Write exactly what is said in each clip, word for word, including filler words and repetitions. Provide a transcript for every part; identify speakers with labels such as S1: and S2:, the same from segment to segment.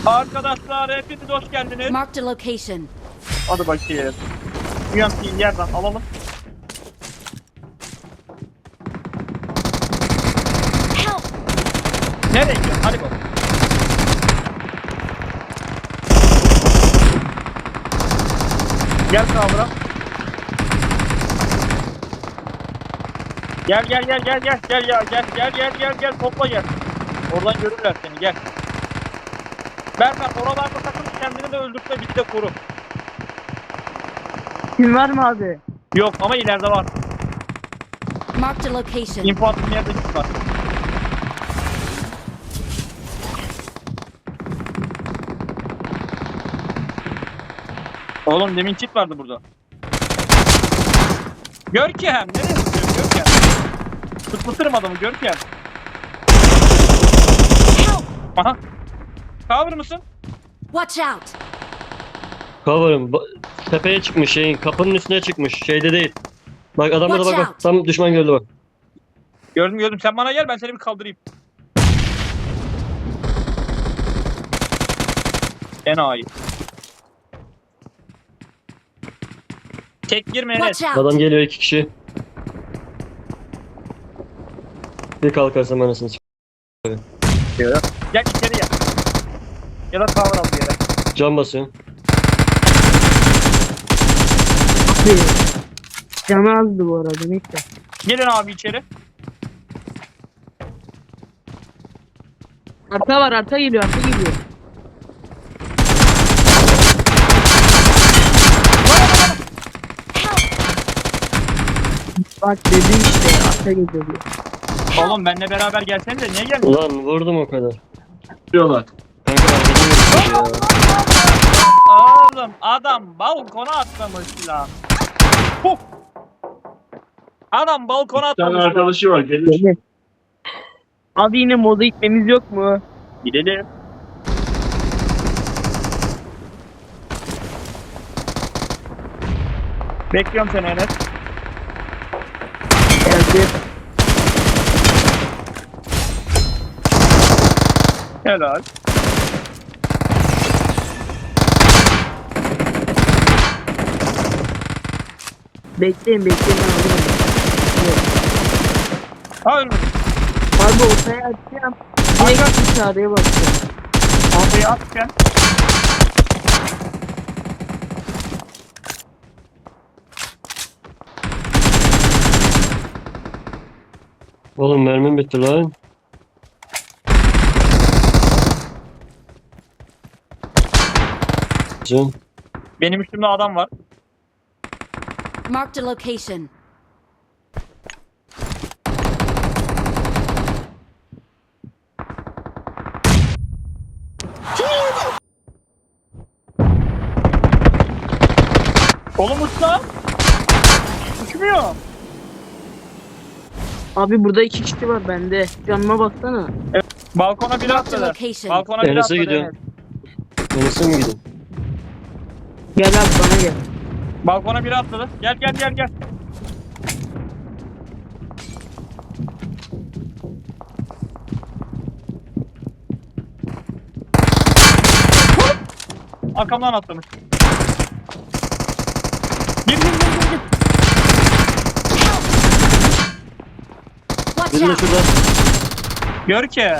S1: Arkadaşlar hepiniz hoş geldiniz.
S2: Marked a location.
S1: Hadi bakayım. U M P'yi yerden alalım.
S2: Help!
S1: Nereye gidiyorsun? Hadi bakalım. Gel kavra. Gel gel gel gel gel gel ya gel gel gel gel gel topla gel. Oradan görürler seni gel. Berkan oralarda takıl kendini de öldürse bitti koru.
S3: Kim var mı abi?
S1: Yok ama ileride var.
S2: Marked a location.
S1: İnfo attığım yerde git var. Oğlum demin çit vardı burada. Görkem nereye tutuyorsun Görkem? Tutmuşturum adamı Görkem.
S2: Help!
S1: Aha. Cover mısın?
S2: Watch out!
S4: Cover'ım. Ba- Tepeye çıkmış şeyin. Kapının üstüne çıkmış. Şeyde değil. Bak adamlara bak
S2: Watch
S4: bak. Tam düşman gördü bak.
S1: Gördüm gördüm sen bana gel ben seni bir kaldırayım. Enayi. Tek girme Enes.
S2: Watch out!
S4: Adam geliyor iki kişi. Bir kalkarsam anasını çık.
S1: Gel içeri gel. Ya da cover al bir yere.
S4: Can basıyor.
S3: Canı azdı bu arada neyse.
S1: Gelin abi içeri.
S3: Arka var arka geliyor arka geliyor. Bak dedim işte arka geliyor diyor.
S1: Oğlum benimle beraber gelsenize niye gelmiyorsun?
S4: Ulan vurdum o kadar.
S1: Diyorlar.
S4: Kanka arkadan vurmuş ya.
S1: Oğlum adam balkona atlamış lan. Huh. Adam balkona
S5: Bir tane
S1: atlamış.
S5: arkadaşı var gelir.
S3: Gel. Abi yine moda gitmemiz yok mu?
S1: Gidelim. Bekliyorum seni Enes.
S3: Geldi.
S1: Helal.
S3: Bekleyin bekleyin abi.
S1: Ha ölmedi.
S3: Abi ortaya atacağım. Direkt dışarıya bakacağım.
S1: Ortaya atken.
S4: Oğlum mermim bitti lan. Can.
S1: Benim üstümde adam var.
S2: Marked a location.
S1: Oğlum uçsa. Uçmuyor.
S3: Abi burada iki kişi var bende. Canıma baksana.
S1: Balkona biri
S2: Marked a
S1: atladı.
S2: location.
S1: Balkona biri
S4: Enes'e
S1: atladı.
S4: gidiyorum.
S1: Evet.
S4: Enes'e mi gidin?
S3: Gel abi bana gel.
S1: Balkona biri atladı. Gel gel gel gel. Arkamdan atlamış. Gir gir gir gir. gir.
S2: Watch
S4: Biri de
S2: out!
S4: şurada.
S1: Gör ki.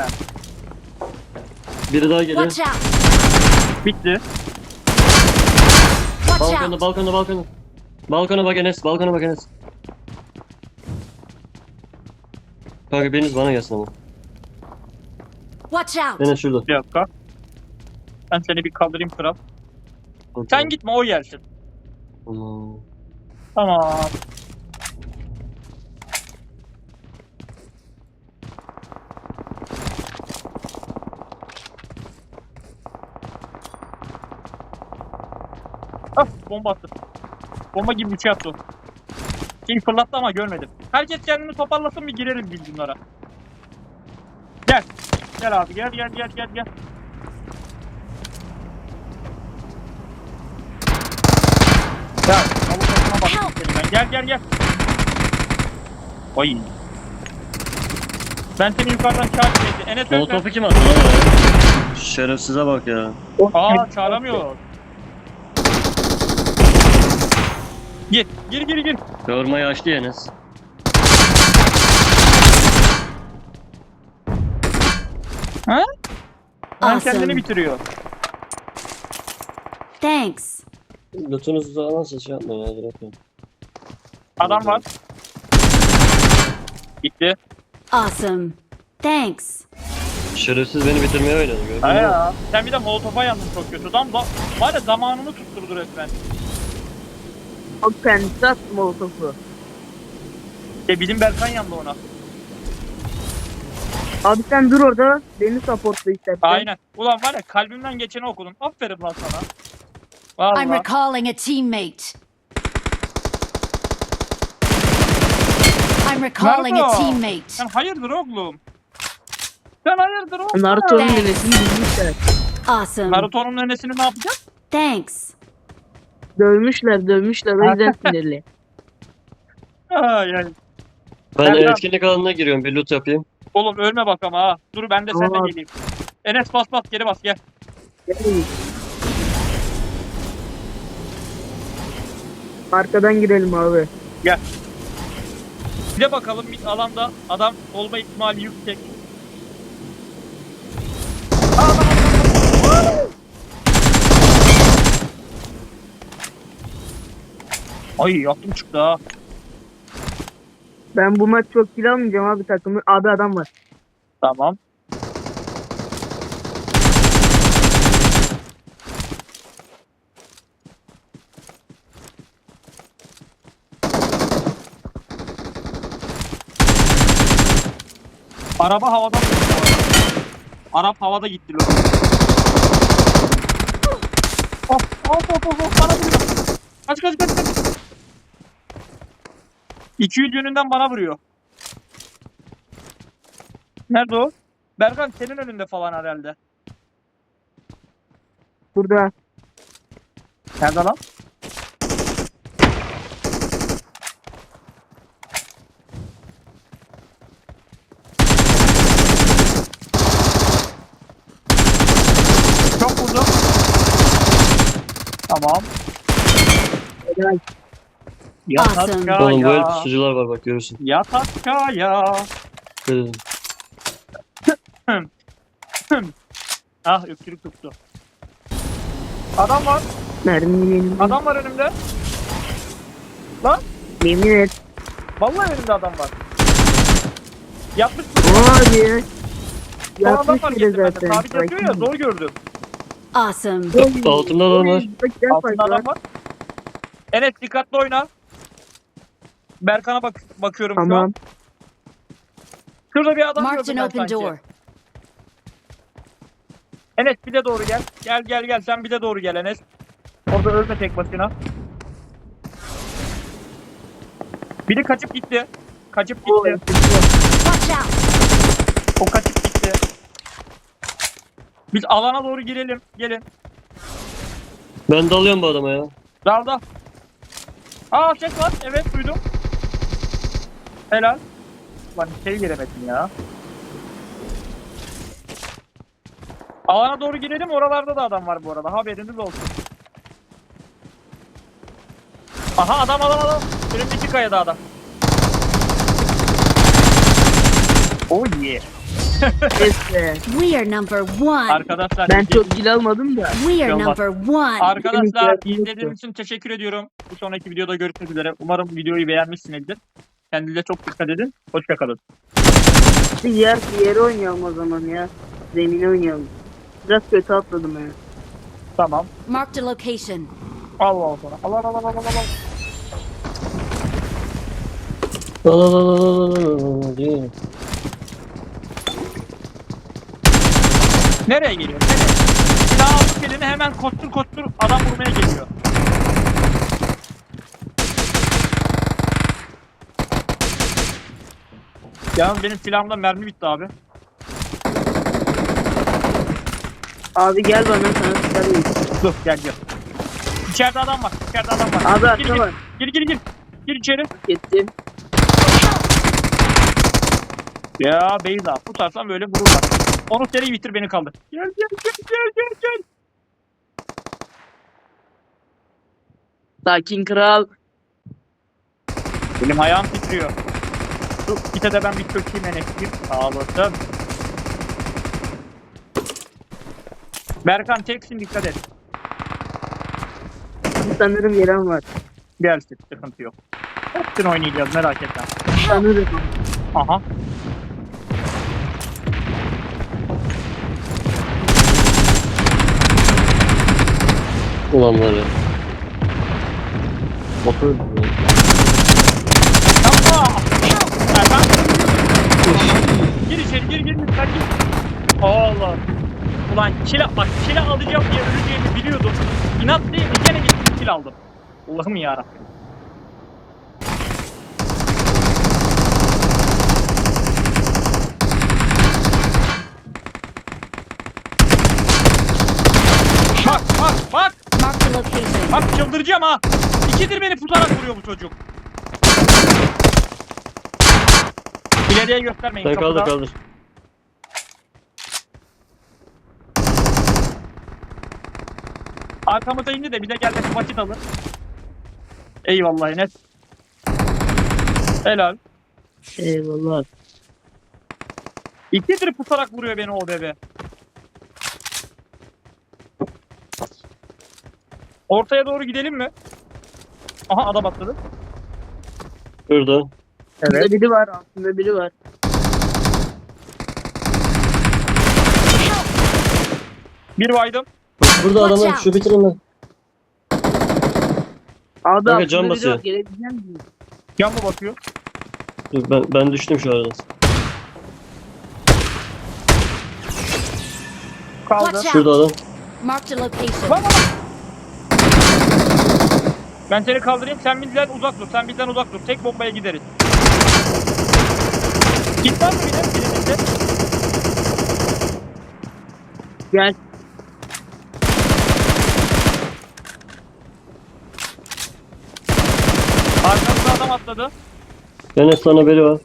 S4: Biri daha geliyor.
S2: Watch out!
S1: Bitti.
S2: Watch
S4: Balkonda
S2: out!
S4: balkonda balkonda. Balkona bak Enes. Balkona bak Enes. Kanka biriniz bana gelsin ama.
S2: Watch out!
S4: Enes şurada.
S1: Bir dakika. Ben seni bir kaldırayım kral. Sen gitme o gelsin.
S4: Tamam.
S1: Tamam. Ah bomba attı. Bomba gibi bir şey attı o. Şeyi fırlattı ama görmedim. Herkes kendini toparlasın bir girelim biz bunlara. Gel. Gel abi gel gel gel gel gel. Ya avukatına bak seni ben. Gel gel gel. Oy. Ben seni yukarıdan çarptım. Enes öldü.
S4: Molotofu kim attı lan? Şerefsize bak ya.
S1: Aa çağıramıyor. Gir, gir, gir, gir.
S4: Kavurmayı açtı Enes.
S1: Ha? Hemen
S2: Awesome.
S1: kendini bitiriyor.
S2: Thanks.
S4: Lütfunuzu da alansa şey yapma ya. Direkt.
S1: Adam var. Gitti.
S2: Awesome. Thanks.
S4: Şerefsiz beni bitirmeye oynadı. Gördün
S1: Ha
S4: mü?
S1: ya. Sen bir de molotofa yandın çok kötü. Tam da var ya zamanını tutturdu resmen.
S3: O kendisi attı molotofu.
S1: E bizim Berkan yandı ona.
S3: Abi sen dur orada. Beni supportla istersen.
S1: Aynen. Ulan var ya kalbimden geçeni okudum. Aferin lan sana.
S2: I'm
S1: Vallahi.
S2: recalling a teammate. I'm recalling a
S1: Naruto.
S2: teammate.
S1: Sen hayırdır oğlum? Sen hayırdır oğlum?
S3: Naruto'nun
S2: Thanks.
S3: nenesini bilmişler.
S2: Awesome.
S1: Naruto'nun nenesini ne yapacak?
S2: Thanks.
S3: Dövmüşler dövmüşler o yüzden sinirli.
S1: Ay ay.
S4: Ben
S1: Berkan.
S4: etkinlik alanına giriyorum. Bir loot yapayım.
S1: Oğlum ölme bak ama ha. Dur ben de seninle
S3: Tamam.
S1: geleyim. Enes bas bas geri bas gel.
S3: Gel. Arkadan girelim abi.
S1: Bir de bakalım bir alanda adam olma ihtimali yüksek. Aa, adam, adam, adam. Ay yaptım çıktı ha.
S3: Ben bu maç çok kill almayacağım abi takımı. Abi adam var.
S1: Tamam. Araba havada mı? Arap havada gitti lo. Of of of of of bana vuruyor. Kaç kaç kaç kaç. iki yüz yönünden bana vuruyor. Nerede o? Berkan senin önünde falan herhalde.
S3: Burada.
S1: Nerede lan? Çok vurdum. Tamam.
S3: Helal.
S1: Yat
S2: Awesome.
S1: aşağıya.
S4: Oğlum böyle pusucular var bak görürsün.
S1: Yat aşağıya.
S4: Dedim.
S1: Ah öksürük tuttu. Adam var.
S3: Mermi yemin.
S1: Adam var önümde. Lan.
S3: Yemin et.
S1: Vallahi önümde adam var. Yapmış mı?
S3: Abi.
S1: Son adam
S3: Yapmış
S1: var
S3: bile
S1: getirmedi.
S3: zaten.
S1: Sabit yapıyor ya zor gördüm.
S2: Awesome.
S4: Altında adam var.
S3: Bak gel
S1: Altında
S3: bak.
S1: adam var. Enes dikkatli oyna. Berkan'a bak bakıyorum şu
S3: Tamam.
S1: an. Şurada bir adam
S2: Marked
S1: gördüm
S2: an
S1: ben
S2: open
S1: sanki.
S2: door.
S1: Enes bir de doğru gel. Gel gel gel sen bir de doğru gel Enes. Orada ölme tek başına. Biri kaçıp gitti. Kaçıp
S3: O-
S1: gitti.
S2: Watch out.
S1: O kaçıp gitti. Biz alana doğru girelim. Gelin.
S4: Ben dalıyorum bu adama ya.
S1: Dalda. Aa ses var. Evet duydum. Helal. Lan şey giremedim ya. Alana doğru girelim. Oralarda da adam var bu arada. Haberiniz olsun. Aha adam adam adam. Önümdeki kayada adam. Oh yeah.
S3: Neyse.
S2: We are number one.
S1: Arkadaşlar.
S3: Ben
S1: izledi-
S3: çok kill almadım da.
S2: We are
S1: Olmaz.
S2: number one.
S1: Arkadaşlar
S3: Benim
S1: izlediğiniz için teşekkür ediyorum. Bir sonraki videoda görüşmek üzere. Umarım videoyu beğenmişsinizdir. Kendinize çok dikkat edin. Hoşçakalın.
S3: Bir yer bir yere oynayalım o zaman ya. Zemine oynayalım. Biraz kötü atladım ya.
S1: Tamam.
S2: Marked a location.
S1: Allah Allah. Allah Allah Allah Allah Allah.
S4: Al al al al al al al diyor.
S1: Nereye geliyor? Nereye? Silah aldık elini hemen kostur kostur adam vurmaya geliyor. Yalnız benim silahımda mermi bitti abi.
S3: Abi gel bana sana çıkarayım.
S1: Dur gel gel. İçeride adam var. İçeride adam var.
S3: Abi
S1: gir,
S3: arka
S1: gir,
S3: var.
S1: gir gir gir. Gir içeri.
S3: Gittim.
S1: Ya Beyza tutarsan böyle vururlar. Onu seri bitir beni kaldır. Gel gel gel. gel gel gel.
S3: Sakin kral.
S1: Benim ayağım titriyor. Dur gite de ben bir çökeyim enektir. Sağ olasın. Berkan çeksin dikkat et.
S3: Sanırım yeren var.
S1: Gelsin sıkıntı yok. Hepsini oynayacağız merak etme.
S3: Sanırım.
S1: Aha.
S4: Ulan var ya. Motor.
S1: Yapma. Erkan. Gir içeri gir gir lütfen gir. Allah. Ulan kila bak kila alacağım diye öleceğimi biliyordum. İnat değil mi? Gene gittim kila aldım. Allah'ım yarabbim. Bak bak bak.
S2: Marked a location.
S1: Bak çıldıracağım ha. İkidir beni tutarak vuruyor bu çocuk. İleriye göstermeyin.
S4: Sen kaldır
S1: kapıda.
S4: kaldır.
S1: Arkamıza indi de bir de gelmesi vakit alır. Eyvallah Enes. Helal.
S3: Eyvallah.
S1: İkidir tutarak vuruyor beni o bebe. Ortaya doğru gidelim mi? Aha adam atladı.
S4: Şurada.
S3: Burada biri var. Aslında biri var.
S1: Bir vaydım.
S4: Burada
S2: Watch
S4: adamlar
S2: out.
S4: şu bitirin lan.
S3: Abi
S4: Kanka,
S3: aslında
S4: can
S3: biri
S4: basıyor.
S3: var. Gelebilecek misin?
S1: Yan mı bakıyor?
S4: Dur, ben ben düştüm şu arada.
S1: Kaldı.
S2: Watch out.
S4: Şurada adam.
S2: Marked a location.
S1: Lan lan. Ben seni kaldırayım sen bizden uzak dur. Sen bizden uzak dur. Tek bombaya gideriz. Git var mı bir de birimizde?
S3: Gel.
S1: Arkamızda adam atladı.
S4: Enes sana biri var.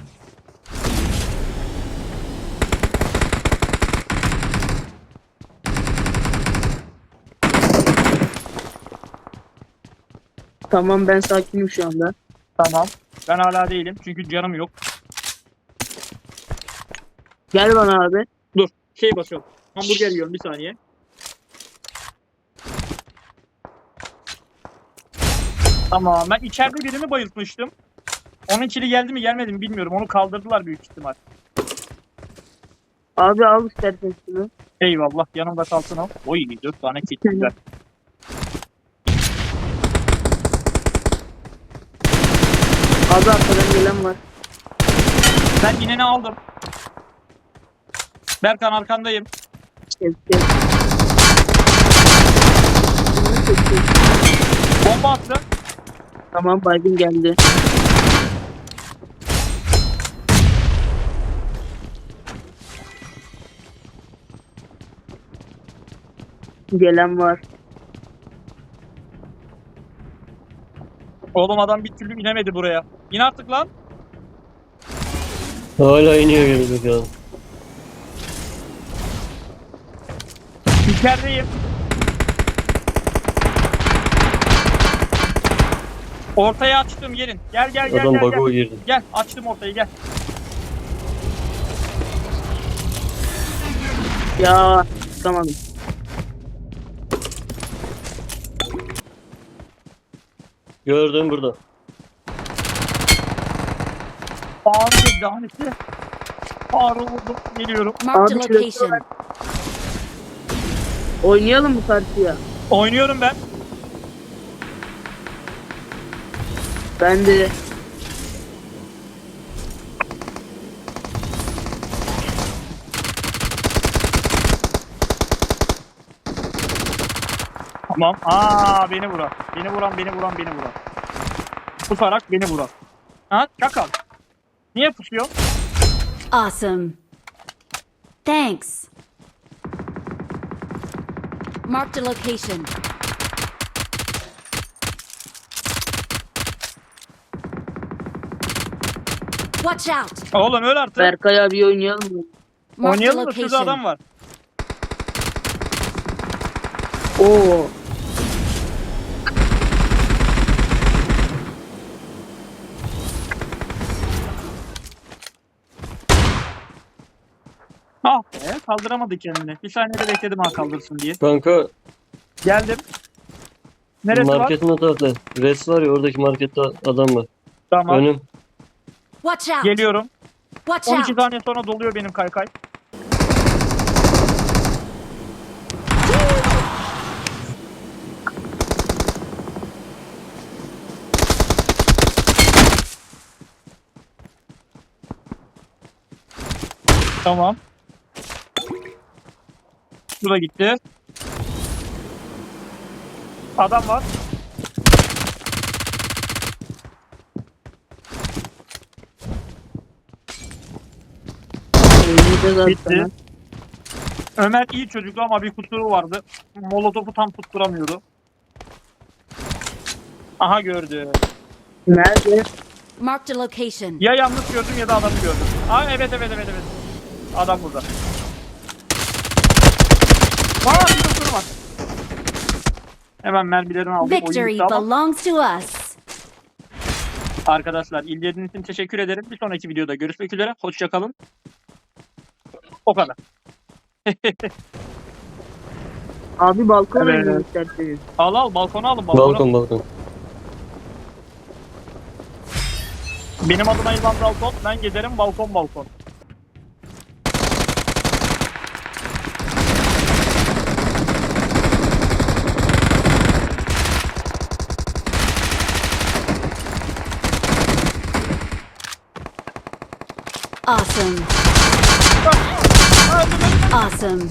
S3: Tamam ben sakinim şu anda.
S1: Tamam. Ben hala değilim çünkü canım yok.
S3: Gel bana abi.
S1: Dur. Şey basıyorum. Hamburger yiyorum bir saniye. Tamam. Ben içeride birini bayıltmıştım. Onun kili geldi mi gelmedi mi bilmiyorum. Onu kaldırdılar büyük ihtimal.
S3: Abi al istersen şunu.
S1: Eyvallah. Yanımda kalsın o. Oy dört tane kit. Güzel.
S3: Abi arkadan gelen var.
S1: Ben ineni aldım. Berkan arkandayım.
S3: Gel gel.
S1: Bomba attı.
S3: Tamam baygın geldi. Gelen var.
S1: Oğlum adam bir türlü inemedi buraya. İn artık lan.
S4: Hala iniyor gibi ya.
S1: İçerideyim. Ortaya açtım gelin. Gel gel gel
S4: Adam
S1: gel.
S4: bug'a
S1: Gel.
S4: girdi.
S1: Gel açtım ortayı gel.
S3: Ya çıkamadım.
S4: Gördüm burada.
S1: Ağrı laneti. Ağrı vurdum. Geliyorum.
S2: Marked a
S3: Abi şurası
S2: location.
S3: var. Oynayalım bu partiya.
S1: Oynuyorum ben.
S3: Ben de.
S1: Tamam. Aa beni vuran. Beni vuran beni vuran beni vuran. Pusarak beni vuran. Ha çakal. Niye pusuyor?
S2: Awesome. Thanks. Marked a location. Watch out.
S1: Oğlum öl artık.
S3: Berkay abi oynayalım mı?
S2: Marked a
S1: Oynayalım da şurada
S2: location.
S1: adam var.
S3: Oo.
S1: Ah be, kaldıramadı kendini. Bir saniyede bekledim ha kaldırsın diye.
S4: Kanka
S1: Geldim. Neresi var?
S4: marketin o tarafta. Res var ya, oradaki markette adam var.
S1: Tamam.
S4: Önüm.
S2: Watch out!
S1: Geliyorum.
S2: Watch
S1: on iki
S2: out!
S1: saniye sonra doluyor benim kaykay. Tamam. Bu da gitti. Adam var.
S3: Oynayacağız
S1: Bitti.
S3: aslında.
S1: Ömer iyi çocuktu ama bir kusuru vardı. Molotof'u tam tutturamıyordu. Aha gördü.
S3: Nerede?
S2: Marked a location.
S1: Ya yanlış gördüm ya da adamı gördüm. Aa evet evet evet evet. Adam burada. Aa bir kusuru var. Hemen mermilerini aldım. Oyun
S2: Victory
S1: bitti ama.
S2: belongs to us.
S1: Arkadaşlar izlediğiniz için teşekkür ederim. Bir sonraki videoda görüşmek üzere. Hoşça kalın. O kadar.
S3: Abi balkon
S1: Evet.
S3: oynayalım isterseniz.
S1: Al al balkona alın balkona.
S4: Balkon balkon.
S1: Benim adıma İlhan Balkon. Ben gezerim balkon balkon.
S2: Awesome.
S1: Aa, öldüm, öldüm.
S2: Awesome.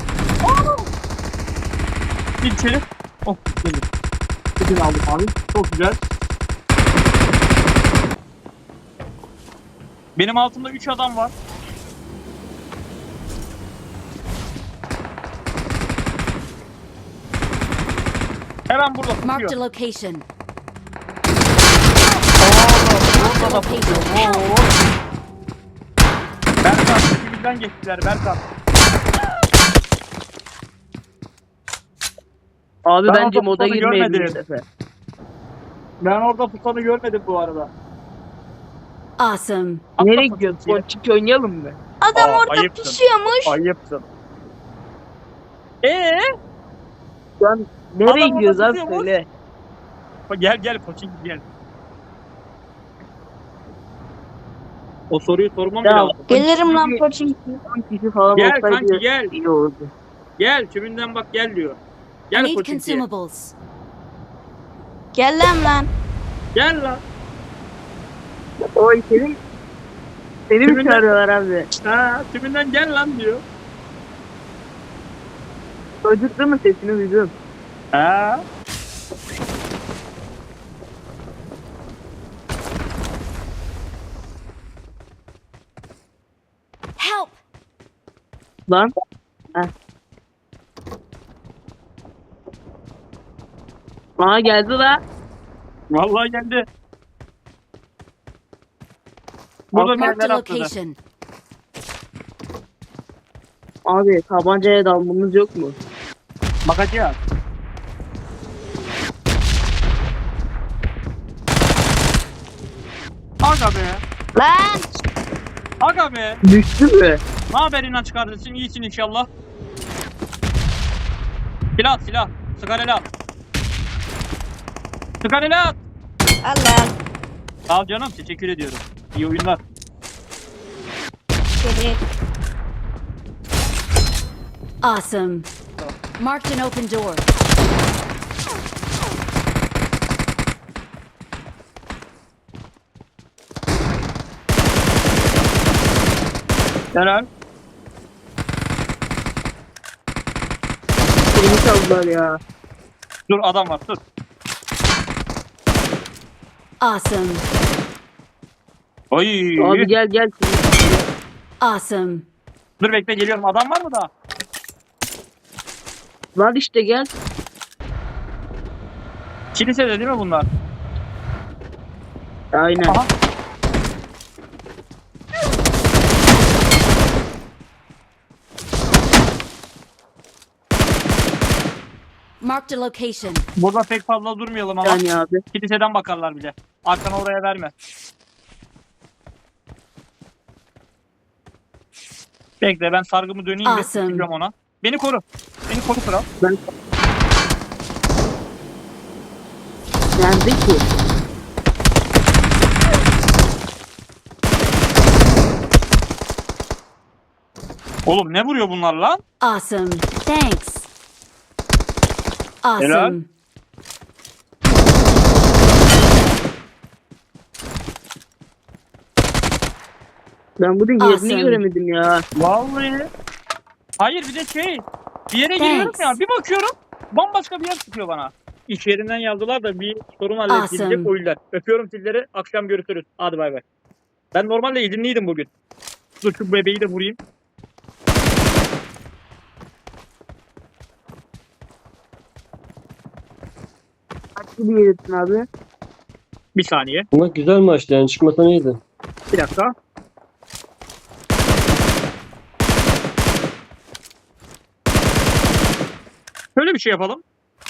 S1: Bir içeri. Oh geldim. Bütün aldım abi. Çok güzel. Benim altımda üç adam var. Hemen burada
S2: Marked a
S1: tutuyor.
S2: location.
S1: Burada da tutuyor. Oo. Berkan, dibimden geçtiler Berkan.
S3: Abi
S1: Ben
S3: bence
S1: orada
S3: moda
S1: tutanı
S3: girmeyelim bu
S1: görmedim.
S3: sefer.
S1: Ben orada putanı görmedim bu arada.
S2: Awesome.
S1: Atla
S3: Nereye
S1: putanı
S3: gidiyoruz?
S1: diye.
S3: Ponçik oynayalım mı?
S5: Adam
S1: Aa,
S5: orada
S1: ayıpsın.
S5: pusuyormuş.
S1: Ayıpsın. Eee?
S3: Şu an nereye
S1: Adam
S3: gidiyoruz
S1: orada
S3: abi
S1: tutuyor mu?
S3: söyle.
S1: Gel gel koçing gel. O soruyu sormam
S3: Ya,
S1: lazım.
S5: Gelirim lan
S3: Çünkü-
S5: Pochinki.
S3: on kişi falan
S1: Gel
S3: olsaydı
S1: kanki gel.
S3: iyi olurdu.
S1: Gel tümünden bak gel diyor.
S2: I
S1: Gel
S2: need
S1: koçinkiye.
S2: consumables.
S5: Gel lan lan.
S1: Gel lan.
S3: Oy senin seni mi
S1: Kiminle-
S3: çağırıyorlar abi?
S1: Ha tümünden gel lan diyor.
S3: Çocuklu mu sesini duydum.
S1: Ha.
S2: Help!
S3: Lan. Heh. Aa geldi la.
S1: Vallahi geldi. Burada
S2: Marked
S1: mermer
S2: a
S1: atladı.
S2: location.
S3: Abi tabancaya dalmamız yok mu?
S1: Bakacağız. Aga be.
S5: Lan.
S1: Aga be.
S3: Düştü mü?
S1: Ne haber inanç kardeşim? İyisin inşallah. Silah at, silah. Sigarayla at. Sigarayla at.
S5: Al lan.
S1: Sağ ol canım. Teşekkür ediyorum. İyi oyunlar.
S5: Geri.
S2: Awesome. Marked an open door.
S1: Helal.
S3: Elimi çaldılar ya.
S1: Dur adam var dur.
S2: Awesome.
S1: Oy.
S3: Abi gel gel.
S2: Awesome.
S1: Dur bekle geliyorum. Adam var mı daha?
S3: Lan işte gel.
S1: Kilisede değil mi bunlar?
S3: Aynen.
S1: Aha.
S2: Marked a location.
S1: Burada pek fazla durmayalım ama.
S3: Yani abi.
S1: Kiliseden bakarlar bile. Arkana oraya verme. Bekle ben sargımı döneyim ve
S2: Awesome.
S1: sıkacağım ona. Beni koru. Beni koru kral.
S3: Ben... Nerede ki?
S1: Oğlum ne vuruyor bunlar lan?
S2: Awesome. Thanks.
S1: Helal.
S2: Awesome.
S3: Ben bunun yerini
S2: Awesome.
S3: göremedim ya.
S1: Vallahi. Hayır bir de şey. Bir yere giriyorum
S2: Thanks.
S1: ya bir bakıyorum. Bambaşka bir yer çıkıyor bana. İş yerinden yazdılar da bir sorun halledilecek
S2: Awesome.
S1: oyunlar. Öpüyorum sizleri. Akşam görüşürüz. Hadi bay bay. Ben normalde izinliydim bugün. Dur şu bebeği de vurayım.
S3: Kaç gibi yedin abi?
S1: Bir saniye.
S4: Ama güzel maçtı yani çıkmasa iyiydi.
S1: Bir dakika. Şöyle bir şey yapalım.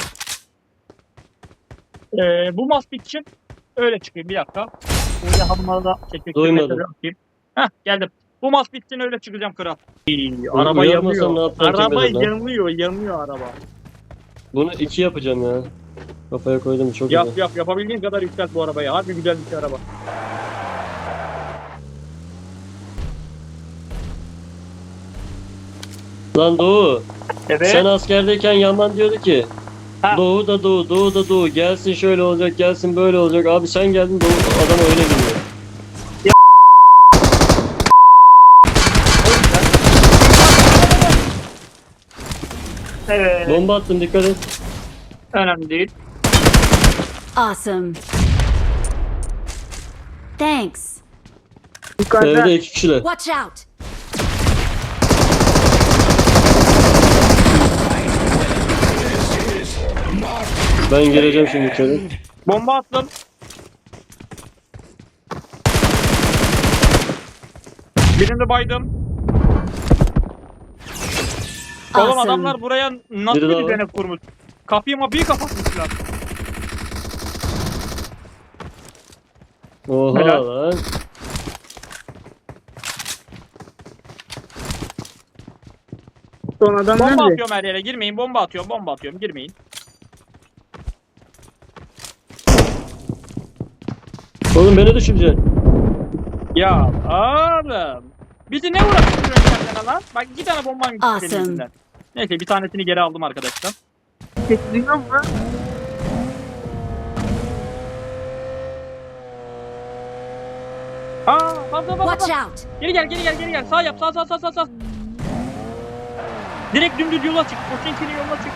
S1: Ee, bu maç için öyle çıkayım bir dakika. Böyle hanımlara da teşekkür
S4: Duymadım.
S1: ederim. Heh geldim. Bu maç bitsin öyle çıkacağım kral. İyi,
S4: Bunu
S1: araba
S4: uyarmasam
S1: yanıyor.
S4: ne yapacağım
S1: Araba
S4: birazdan?
S1: yanıyor, yanıyor araba.
S4: Bunu iki yapacağım ya. Kafaya koydum çok
S1: Yap
S4: güzel.
S1: yap yapabildiğin kadar yükselt bu arabayı. Harbi güzel bir şey araba.
S4: Lan Doğu.
S1: Evet.
S4: Sen askerdeyken Yaman diyordu ki
S1: Ha.
S4: Doğu da Doğu, Doğu da Doğu. Gelsin şöyle olacak, gelsin böyle olacak. Abi sen geldin Doğu adam öyle biliyor.
S1: Evet.
S4: Bomba attım dikkat et.
S1: Önemli değil.
S2: Awesome. Thanks.
S3: Yukarıda.
S4: Evde iki kişiler.
S2: Watch out.
S4: Ben gireceğim şimdi içeri.
S1: Bomba attım. Birini baydım. Oğlum
S2: Awesome.
S1: adamlar buraya nasıl
S4: Biri
S1: bir
S4: daha var.
S1: düzenek kurmuş? Kapıyı mapıyı kapatmışlar.
S4: Oha
S1: Helal.
S4: lan.
S3: Son adam
S1: Bomba
S3: nerede?
S1: atıyorum her yere girmeyin. Bomba atıyorum bomba atıyorum girmeyin.
S4: Oğlum beni düşüreceksin.
S1: Ya oğlum. Bizi ne uğraştırıyorsun kendine lan? Bak iki tane bombam gitti
S2: Awesome.
S1: senin yüzünden. Neyse bir tanesini geri aldım arkadaşlar.
S3: Ses duyuyor musun?
S1: Aa bak bak bak
S2: Watch
S1: bak.
S2: out.
S1: Geri gel geri gel geri gel. Sağ yap sağ sağ sağ sağ sağ. Direkt dümdüz yola çık. Koçinkinin yoluna çık.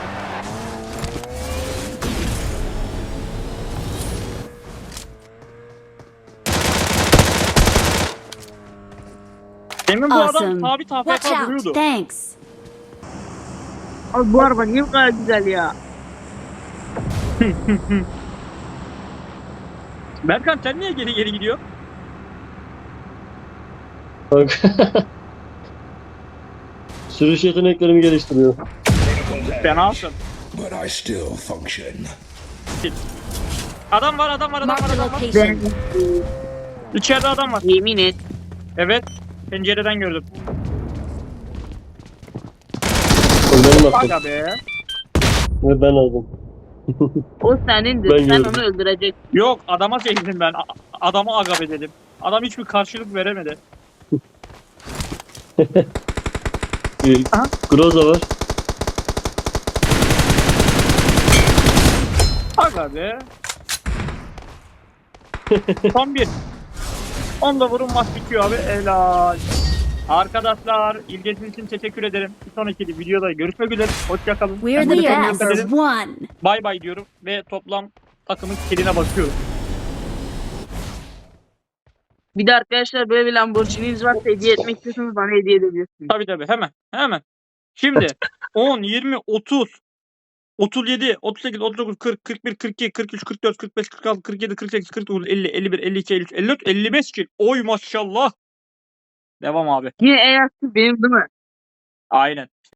S1: Demin bu adam
S2: Awesome.
S1: sabit
S2: Watch
S1: A F K
S2: out.
S1: duruyordu.
S2: Thanks.
S3: Abi bu araba niye bu kadar güzel ya?
S1: Berkan sen niye geri geri gidiyor?
S4: Bak. Sürüş yeteneklerimi geliştiriyor.
S1: Fenasın.
S6: But I still function.
S1: Adam var adam var adam var
S2: Marked a
S1: adam var.
S3: Ben
S2: location.
S1: İçeride adam var.
S3: yemin et.
S1: Evet. Pencereden gördüm.
S4: O benim attım.
S1: Aga be.
S4: Ve ben aldım.
S3: O senindir.
S4: Ben
S3: Sen
S4: gördüm.
S3: onu öldüreceksin.
S1: Yok adama çektim ben. A- Adamı agap edelim. Adam hiçbir karşılık veremedi.
S4: Bir
S1: Aha.
S4: Groza var.
S1: Aga be. Son bir. Onda vurun maç bitiyor abi. Helal. Arkadaşlar ilginiz için teşekkür ederim. Bir sonraki videoda görüşmek üzere. Hoşçakalın.
S2: We're the best. One.
S1: Bay bay diyorum ve toplam takımın kiline bakıyorum.
S3: Bir de arkadaşlar böyle bir Lamborghini'niz varsa hediye etmek istiyorsanız bana hediye edebilirsiniz.
S1: Tabii tabii hemen hemen. Şimdi on, yirmi, otuz, otuz yedi, otuz sekiz, otuz dokuz, kırk, kırk bir, kırk iki, kırk üç, kırk dört, kırk beş, kırk altı, kırk yedi, kırk sekiz, kırk dokuz, elli, elli bir, elli iki, elli üç, elli dört, elli beş kill. Oy maşallah. Devam abi.
S3: Yine en azı benim değil mi?
S1: Aynen.